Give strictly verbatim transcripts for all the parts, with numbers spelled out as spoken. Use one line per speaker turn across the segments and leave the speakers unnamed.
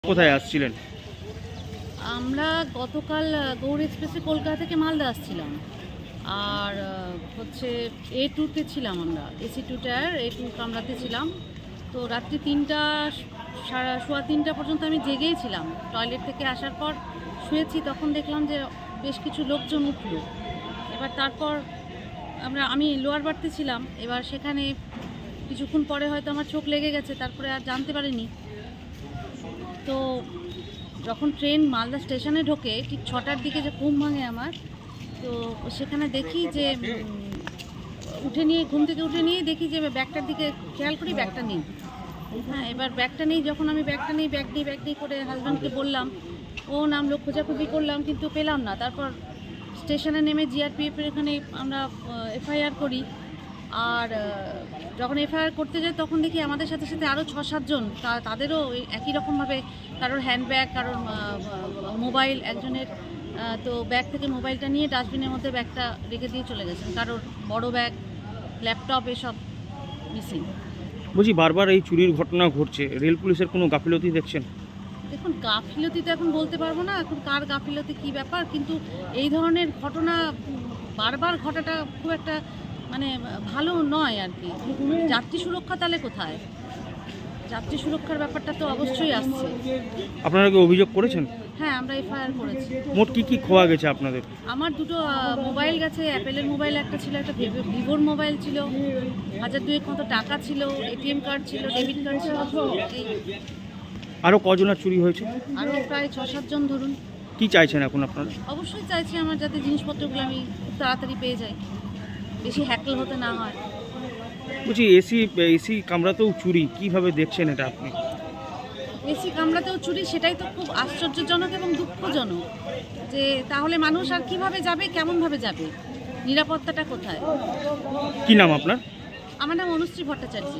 কোথায় আসছিলেন?
আমরা গতকাল গৌড় এক্সপ্রেসে কলকাতা থেকে মালদা আসছিলাম। আর হচ্ছে এ টুতে ছিলাম, আমরা AC two tier A two কামরাতে ছিলাম। তো রাত্রি তিনটা সাড়ে সোয়া তিনটা পর্যন্ত আমি জেগেই ছিলাম। টয়লেট থেকে আসার পর শুয়েছি, তখন দেখলাম যে বেশ কিছু লোকজন উঠল। এবার তারপর আমরা আমি লোয়ার বাড়তে ছিলাম। এবার সেখানে কিছুক্ষণ পরে হয়তো আমার চোখ লেগে গেছে, তারপরে আর জানতে পারিনি। তো যখন ট্রেন মালদা স্টেশনে ঢোকে ঠিক ছটার দিকে যে ঘুম ভাঙে আমার, তো সেখানে দেখি যে উঠে নিয়ে ঘুম থেকে উঠে নিয়ে দেখি যে ব্যাগটার দিকে খেয়াল করি, ব্যাগটা নেই। হ্যাঁ, এবার ব্যাগটা নেই, যখন আমি ব্যাগটা নেই ব্যাগ নিই ব্যাগ নিই করে হাজব্যান্ডকে বললাম, ও নামলো, খোঁজাখুঁজি করলাম কিন্তু পেলাম না। তারপর স্টেশনে নেমে জিআরপিএফের এখানে আমরা এফআইআর করি। আর যখন এফআইআর করতে যাই তখন দেখি আমাদের সাথে সাথে আরও ছ সাতজন, তাদেরও একই রকমভাবে কারোর হ্যান্ডব্যাগ, কারোর মোবাইল, একজনের তো ব্যাগ থেকে মোবাইলটা নিয়ে ডাস্টবিনের মধ্যে ব্যাগটা রেখে দিয়ে চলে গেছেন। কারোর বড় ব্যাগ, ল্যাপটপ এসব মিসিং।
বলছি, বারবার এই চুরির ঘটনা ঘটছে, রেল পুলিশের কোনো গাফিলতি দেখছেন?
দেখুন, গাফিলতি তো এখন বলতে পারবো না, এখন কার গাফিলতি কী ব্যাপার, কিন্তু এই ধরনের ঘটনা বারবার ঘটাটা খুব একটা মানে ভালো নয় আর কি। যাত্রী সুরক্ষা তাহলে কোথায়? যাত্রী সুরক্ষার ব্যাপারটা তো অবশ্যই আসছে।
আপনারা কি অভিযোগ করেছেন?
হ্যাঁ, আমরা এফআইআর করেছি।
মোট কি কি খোয়া গেছে আপনাদের?
আমার দুটো মোবাইল গেছে, অ্যাপেলের মোবাইল একটা ছিল, একটা ভিভোর মোবাইল ছিল, হাজার দুয়েক মতো টাকা ছিল, এটিএম কার্ড ছিল, ডেবিট কার্ড ছিল।
আরও কজনের চুরি হয়েছে?
আরও প্রায় ছ সাতজন ধরুন।
কি চাইছেন এখন আপনারা?
অবশ্যই চাইছি আমার যাতে জিনিসপত্রগুলো আমি খুব তাড়াতাড়ি পেয়ে যাই, বেশি হ্যাকল হতে না হয়।
বলছি, এসি এসি কামরাতেও চুরি, কিভাবে দেখছেন এটা আপনি?
এসি কামরাতেও চুরি, সেটাই তো খুব আশ্চর্যজনক এবং দুঃখজনক। যে তাহলে মানুষ আর কিভাবে যাবে, কেমনভাবে যাবে, নিরাপত্তাটা কোথায়?
কি নাম আপনার?
আমার নাম অনুশ্রী ভট্টাচার্য।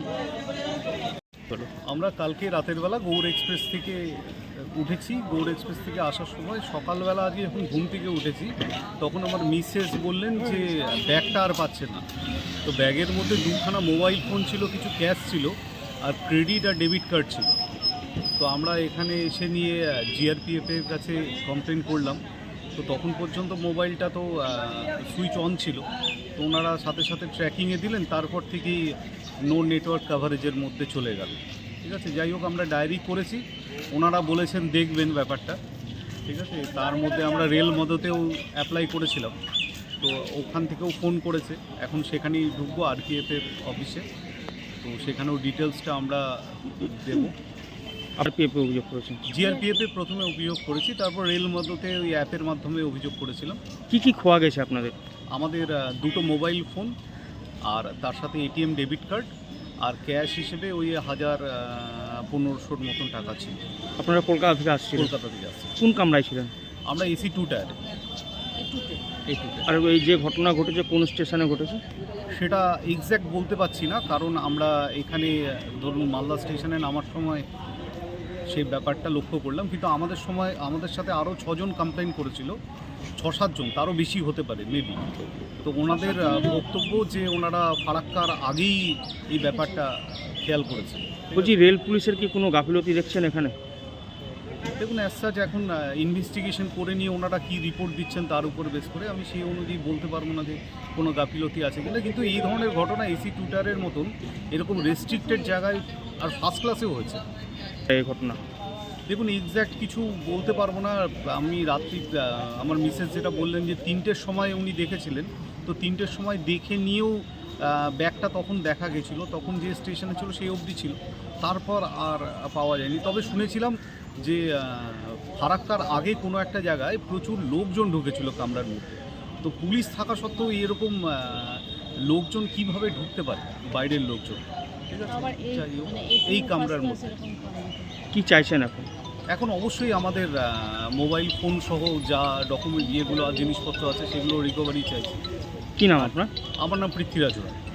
আমরা কালকে রাতের বেলা গৌড় এক্সপ্রেস থেকে উঠেছি। গৌড় এক্সপ্রেস থেকে আসার সময় সকালবেলা আজকে যখন ঘুম থেকে উঠেছি তখন আমার মিসেস বললেন যে ব্যাগটা আর পাচ্ছে না। তো ব্যাগের মধ্যে দুখানা মোবাইল ফোন ছিল, কিছু ক্যাশ ছিল, আর ক্রেডিট আর ডেবিট কার্ড ছিল। তো আমরা এখানে এসে নিয়ে জিআরপিএফের কাছে কমপ্লেন করলাম। তো তখন পর্যন্ত মোবাইলটা তো সুইচ অন ছিল, তো ওনারা সাথে সাথে ট্র্যাকিংয়ে দিলেন, তারপর থেকেই নো নেটওয়ার্ক কাভারেজের মধ্যে চলে গেল। ঠিক আছে, যাই হোক, আমরা ডায়েরি করেছি, ওনারা বলেছেন দেখবেন ব্যাপারটা। ঠিক আছে, তার মধ্যে আমরা রেল মদতেও অ্যাপ্লাই করেছিলাম, তো ওখান থেকেও ফোন করেছে, এখন সেখানেই ঢুকবো আরপিএফের অফিসে, তো সেখানেও ডিটেলসটা আমরা দেবো।
আরপিএফে অভিযোগ করেছেন?
জিআরপিএফে প্রথমে অভিযোগ করেছি, তারপর রেল মদতে ওই অ্যাপের মাধ্যমে অভিযোগ করেছিলাম।
কি কি খোয়া গেছে আপনাদের?
আমাদের দুটো মোবাইল ফোন, আর তার সাথে এটিএম ডেবিট কার্ড, আর ক্যাশ হিসেবে ওই হাজার পনেরোশোর মতন টাকা ছিল।
আপনারা কলকাতা থেকে আসছিলেন?
কলকাতা থেকে আসছি।
কোন কামরায় ছিলেন?
আমরা এসি টু টায়ারে। এই টুতে।
আর এই যে ঘটনা ঘটেছে কোন স্টেশনে ঘটেছে
সেটা এক্স্যাক্ট বলতে পারছি না, কারণ আমরা এখানে ধরুন মালদা স্টেশনে নামার সময় সেই ব্যাপারটা লক্ষ্য করলাম, কিন্তু আমাদের সময় আমাদের সাথে আরও ছজন কমপ্লেন করেছিল, ছ সাতজন, তারও বেশি হতে পারে মেবি। তো ওনাদের বক্তব্য যে ওনারা ফারাক্কার আগেই এই ব্যাপারটা খেয়াল করেছে।
বলছি, রেল পুলিশের কি কোনো গাফিলতি দেখছেন এখানে?
দেখুন, অ্যাজ সাচ এখন ইনভেস্টিগেশন করে নিয়ে ওনারা কী রিপোর্ট দিচ্ছেন তার উপর বেস করে আমি সেই অনুযায়ী বলতে পারবো না যে কোনো গাফিলতি আছে কিনা, কিন্তু এই ধরনের ঘটনা এসি টুটারের মতন এরকম রেস্ট্রিক্টেড জায়গায় আর ফার্স্ট ক্লাসেও হয়েছে
এই ঘটনা।
দেখুন, এক্স্যাক্ট কিছু বলতে পারবো না। আমি রাত্রি আমার মিসেস যেটা বললেন যে তিনটের সময় উনি দেখেছিলেন, তো তিনটের সময় দেখে নিয়েও ব্যাগটা তখন দেখা গেছিলো, তখন যে স্টেশনে ছিল সেই অবধি ছিল, তারপর আর পাওয়া যায়নি। তবে শুনেছিলাম যে ফারাক্কার আগে কোনো একটা জায়গায় প্রচুর লোকজন ঢুকেছিল কামরার মধ্যে, তো পুলিশ থাকা সত্ত্বেও এরকম লোকজন কিভাবে ঢুকতে পারে, বাইরের লোকজন। ঠিক আছে, যাই হোক, এই কামরার মধ্যে
কি চাইছেন এখন?
এখন অবশ্যই আমাদের মোবাইল ফোন সহ যা ডকুমেন্ট ইয়েগুলো আর জিনিসপত্র আছে সেগুলো রিকভারি চাইছি।
কি নাম আপনার?
আমার নাম পৃথ্বীরাজ রায়।